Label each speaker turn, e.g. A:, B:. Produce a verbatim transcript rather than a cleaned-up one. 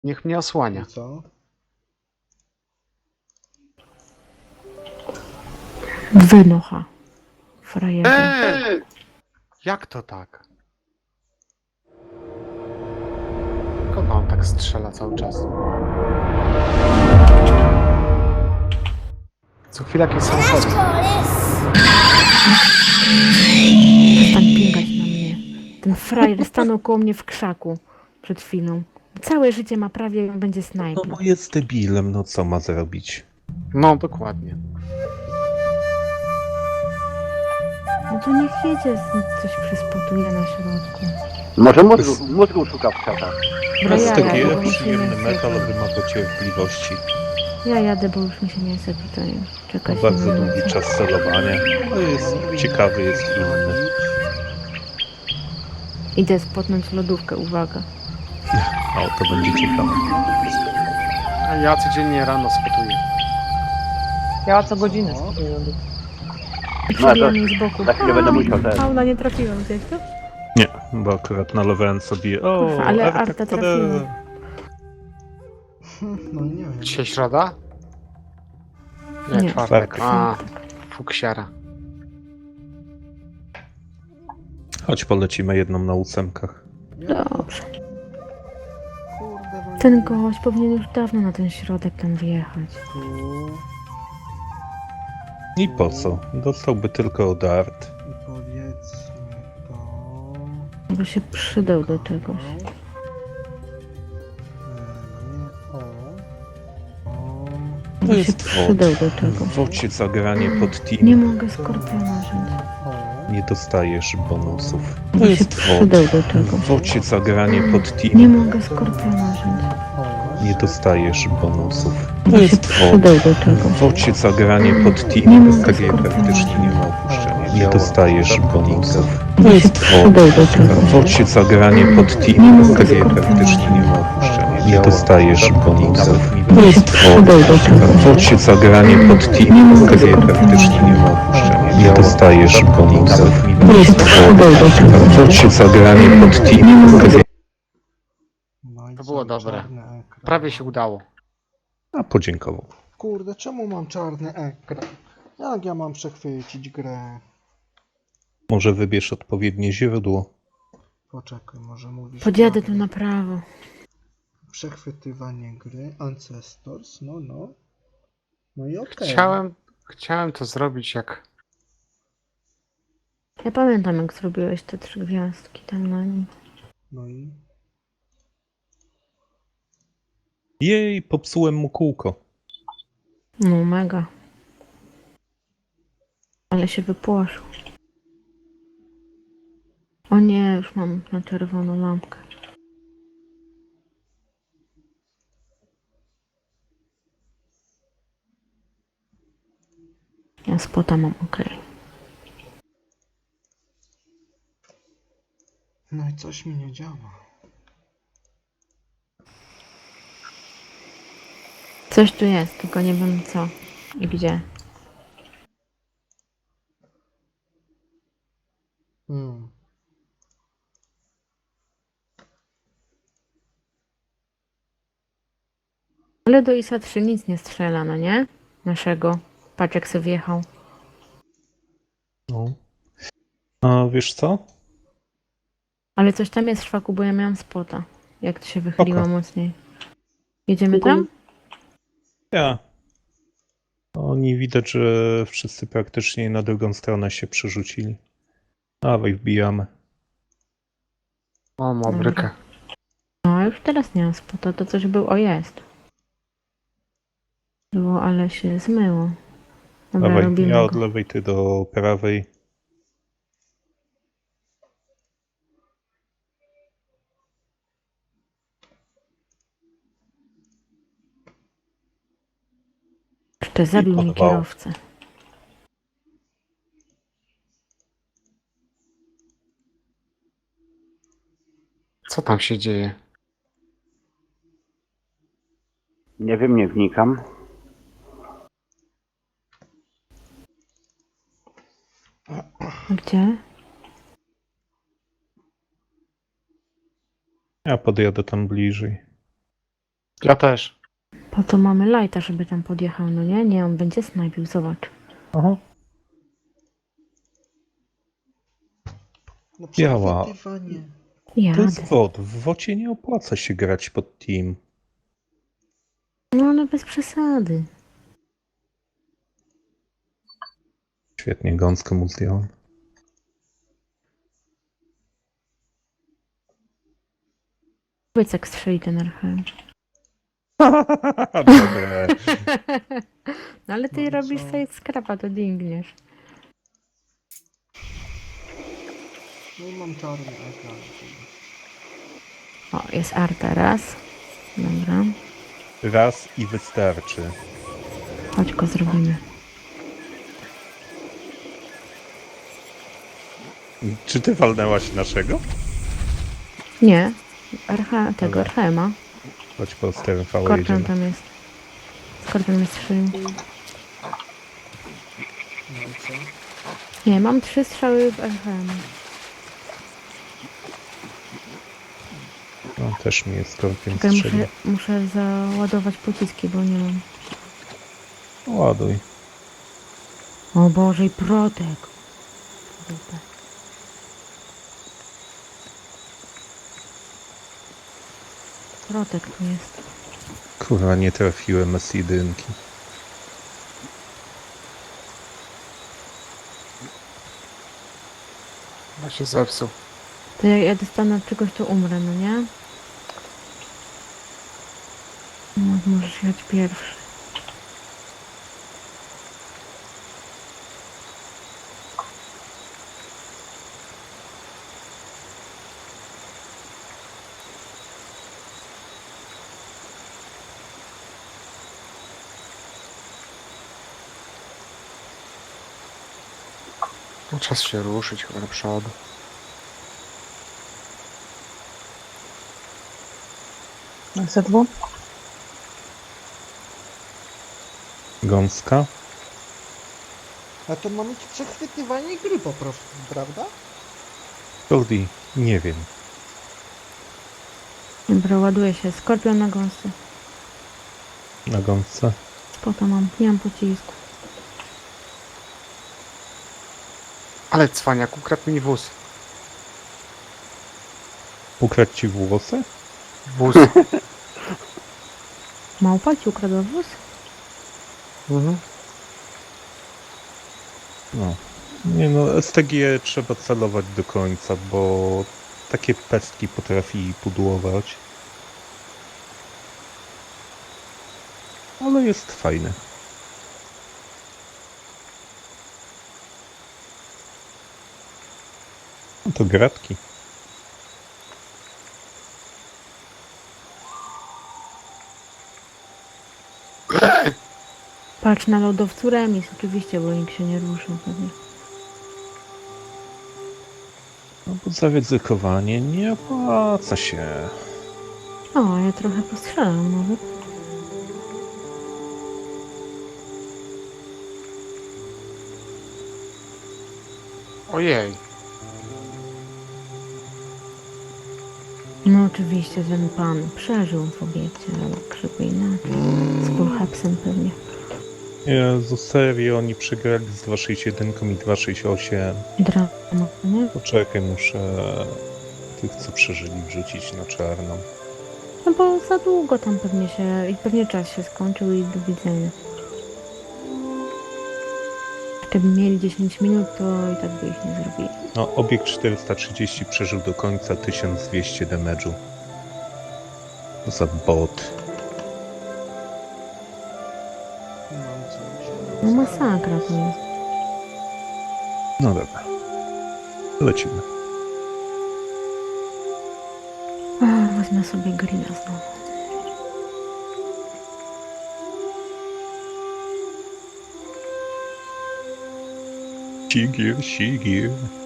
A: Niech mnie osłania.
B: I co?
C: Wynocha. Frajerze.
A: Eee! Jak to tak? Kogo on tak strzela cały czas? Co chwilę jakieś samochody.
C: Przestań pingać na mnie. Ten frajer stanął koło mnie w krzaku przed chwilą. Całe życie ma prawie i on będzie
D: No
C: snajpił.
D: bo jest debilem, no co ma zrobić?
A: No, dokładnie.
C: No to niech jedzie, z- coś przyspotuje na środku.
E: Może mózgu, mózgu szuka w krzakach.
D: S T
C: jadę,
D: G,
C: bo mi się
D: przyjemny
C: nie chce.
D: metal, wymaga cierpliwości.
C: Ja jadę, bo już mi się nie chce tutaj
D: Ma
C: czekać.
D: bardzo
C: na
D: długi
C: nocy.
D: czas celowania. To jest ciekawy, jest inny.
C: Idę spotnąć lodówkę, uwaga.
D: O, to będzie ciekawe.
A: A ja codziennie rano spotuję.
F: Ja co godzinę
B: O.
F: stosuję.
C: Przebija
E: to-
C: mnie z boku.
E: za chwilę będę musiał ten.
C: Fauna, nie trafiłem, widziałeś to?
D: Nie, bo akurat nalowałem sobie... O,
C: Kurwa, ale
D: Arta
C: Arta
D: Kade.
C: trafiła.
B: No nie wiem.
A: Dzisiaj środa? Nie,
C: Nie.
A: czwartek.
D: Czwartek.
A: A, fuksiara.
D: Chodź, polecimy jedną na ósemkach.
B: Ja,
C: Dobrze.
B: kurde, no
C: Ten
B: nie.
C: gość powinien już dawno na ten środek tam wjechać.
B: Tu.
D: I po co? Dostałby tylko od Art.
B: I powiedzmy to...
C: Bo się przydał do czegoś.
B: E, nie, o. O.
D: To
C: Bo się
D: jest
C: przydał
D: wod.
C: do czegoś.
D: W wocie zagranie pod team.
C: Nie mogę skorpiona wziąć.
B: O.
D: Nie dostajesz bonusów.
C: Bo
D: To
C: się
D: jest wod.
C: przydał do czegoś.
D: W wocie zagranie pod team.
C: Nie mogę skorpiona wziąć.
B: O.
D: Nie dostajesz bonusów.
C: Bo
D: To
C: się
D: jest wod.
C: przydał do
D: W
C: czegoś.
D: wocie zagranie pod
C: Nie
D: team.
C: mogę
D: Ta gra
C: skorpiona
D: praktycznie nie ma
C: wziąć.
D: opuszczenia. Nie dostajesz bonusów.
C: Bo
D: To
C: się
D: jest wod.
C: przydał do
D: W
C: czegoś.
D: wocie zagranie pod
C: Nie
D: team.
C: mogę
D: Ta gra
C: skorpiona
D: praktycznie nie ma opuszczenia. Nie dostajesz bonusów.
C: Bo
D: To
C: się
D: jest wod.
C: przydał do
D: W
C: czegoś.
D: wocie zagranie pod
C: Nie
D: team.
C: mogę
D: Ta gra
C: skorpiona
D: praktycznie nie ma opuszczenia. Nie dostajesz bonusów.
C: Bo się przydał do
D: W
C: czegoś.
D: wocie zagranie pod
C: Nie
D: team.
C: mogę
D: Ta gra...
B: No i
A: To
B: co,
A: było dobre.
B: czarny ekran.
A: Prawie się udało.
D: A podziękował.
B: Kurde, czemu mam czarny ekran? Jak ja mam przechwycić grę?
D: Może wybierz odpowiednie źródło.
B: Poczekaj, może mówisz...
C: Podjadę tu
B: prawie.
C: na prawo.
B: Przechwytywanie gry, Ancestors, no no. No i okej.
A: Chciałem, chciałem to zrobić jak...
C: Ja pamiętam, jak zrobiłeś te trzy gwiazdki tam na nim.
B: No i...
D: Jej, popsułem mu kółko.
C: No mega. Ale się wypłoszył. O nie, już mam na czerwoną lampkę. Ja spota mam, okej.
B: No i coś mi nie działa.
C: Coś tu jest, tylko nie wiem co i gdzie.
B: Hmm.
C: Ale do I S A trzy nic nie strzela, no nie? Naszego. Patrz jak sobie wjechał.
D: No. A wiesz co?
C: Ale coś tam jest w szwaku, bo ja miałam spota. Jak to się wychyliło
D: Spoko.
C: mocniej. Jedziemy tam?
D: Ja. Oni widać, że wszyscy praktycznie na drugą stronę się przerzucili. Dawaj, wbijamy.
A: O, mobrykę.
C: No, już teraz nie mam spota, to coś był, o jest. Było, ale się zmyło. Dobra,
D: Dawaj,
C: robimy
D: ja od
C: go.
D: lewej, ty do prawej.
C: Jeszcze zabił mi
D: porwało.
C: kierowcę.
A: Co tam się dzieje?
E: Nie wiem, nie wnikam.
C: Gdzie?
D: Ja podjadę tam bliżej.
A: Ja też.
C: Po to mamy lighta, żeby tam podjechał, no nie? Nie, on będzie snajpił, zobacz.
D: Aha.
B: No
D: Biała.
B: przechwytywanie.
D: To
C: Jadę.
D: jest wod. W wocie nie opłaca się grać pod team.
C: No ale bez przesady.
D: Świetnie, gąskę mu zdjąłem.
C: Powiedz jak strzeli ten R H M.
D: Dobre.
C: No ale ty
B: No i
C: robisz
B: co?
C: sobie skrapa, to dingniesz.
B: No i mam czarny ekran.
C: O, jest Arta raz. Dobra.
D: Raz i wystarczy.
C: Chodź go zrobimy.
D: Czy ty walnęłaś naszego?
C: Nie. R H, tego
D: Dobra.
C: R H M-a.
D: Chodź po sterem V
C: Skorpion
D: jedziemy.
C: tam jest. Skorpion mnie strzelił.
B: No i co?
C: Nie, mam trzy strzały w R H M.
D: No, też mi jest skorpion
C: Czekaj,
D: strzelił.
C: muszę, muszę załadować pociski, bo nie mam.
D: Ładuj.
C: O Boże, i protek. Dupę. Protek tu jest.
D: Kurwa, nie trafiłem z jedynki.
A: Ja się zepsuł.
C: To jak ja dostanę od czegoś, to umrę, no nie? No, możesz jechać pierwszy.
A: No, czas się ruszyć chyba do przodu.
F: Z dwóch?
D: Gąska?
B: A to ma mieć przechwytywanie gry po prostu, prawda?
D: Gordy, nie wiem.
C: Dobra, ładuje się. Skorpion na gąsce.
D: Na gąsce.
C: Spoko mam. Nie mam pocisku.
A: Ale cwaniak, ukradł mi wóz.
D: Ukradł ci włosy?
A: Wóz.
C: Małpa ci ukradła wóz?
A: Mhm.
D: No. Nie no, S T G trzeba celować do końca, bo takie pestki potrafi pudłować. Ale jest fajny. No to gratki.
C: Patrz na lodowcu remis, oczywiście, bo nikt się nie ruszył pewnie.
D: No bo zaryzykowanie nie opłaca się.
C: O, ja trochę postrzelam nawet.
A: Ojej.
C: No oczywiście ten pan przeżył w obiekcie, ale krzyku inaczej. Z Kulhapsem pewnie.
D: Jezu, serio, oni przegrali z dwieście sześćdziesiąt jeden i dwieście sześćdziesiąt osiem.
C: Drama, nie?
D: Poczekaj, muszę tych, co przeżyli, wrzucić na czarną.
C: No bo za długo tam pewnie się... i pewnie czas się skończył i do widzenia. Gdyby mieli dziesięć minut, to i tak by ich nie zrobili.
D: No, obiekt czterysta trzydzieści przeżył do końca tysiąc dwieście damage'u. To za bot.
B: Mam coś.
C: No masakra to jest.
D: No dobra. Lecimy.
C: Ach, wezmę sobie grilla znowu.
D: Sigir, sigir.